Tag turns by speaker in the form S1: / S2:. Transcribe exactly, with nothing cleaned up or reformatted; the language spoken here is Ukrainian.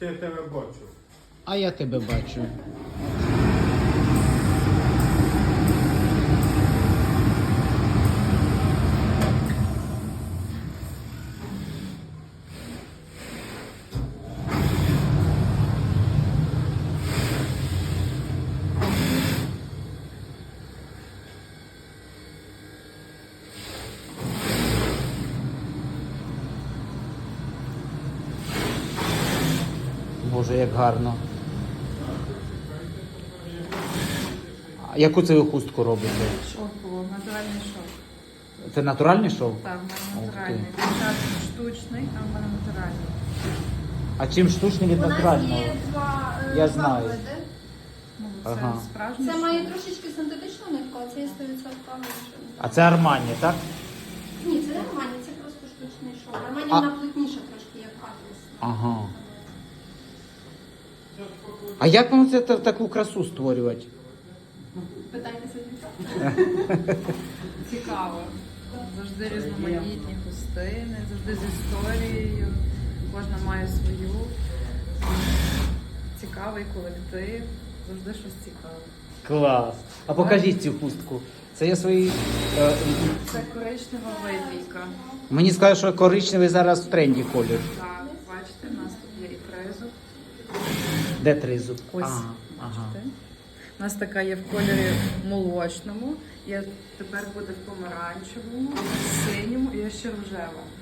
S1: Я тебе бачу.
S2: А я тебе бачу. Боже, як гарно. А яку це ви хустку робите?
S3: Шовково, натуральний шов.
S2: Це натуральний шов?
S3: Так, в мене
S2: Ух ти.
S3: натуральний. Дівчат штучний, а в мене натуральний.
S2: А чим штучний від
S4: У нас
S2: натурального?
S4: є два, е,
S2: Я
S4: два
S2: знаю.
S4: види.
S3: Ну, це
S2: Ага.
S3: справжній
S4: Це
S3: шов.
S4: має трошечки синтетичну нитку, а це є сто відсотків.
S2: А це Армані, так?
S4: Ні, це не Армані, це просто штучний шов. Армані
S2: А-
S4: вона плотніша трошки, як атлас.
S2: Ага. А як вам це та- таку красу створювати?
S4: Питайтеся дівчата.
S3: Цікаво. Завжди різноманітні хустини, завжди з історією. Кожна має свою. Цікавий колектив. Завжди щось цікаве.
S2: Клас. А покажіть цю хустку. Це я свої. Е,
S3: Це коричнева випійка.
S2: мені сказали, що коричневий зараз в тренді колір.
S3: Так, бачите, у нас тут є і тризуб.
S2: Де тризуб?
S3: Ось,
S2: Ага, ага.
S3: бачите. У нас така є в кольорі молочному, є тепер буде в помаранчевому, в синьому і є ще рожева.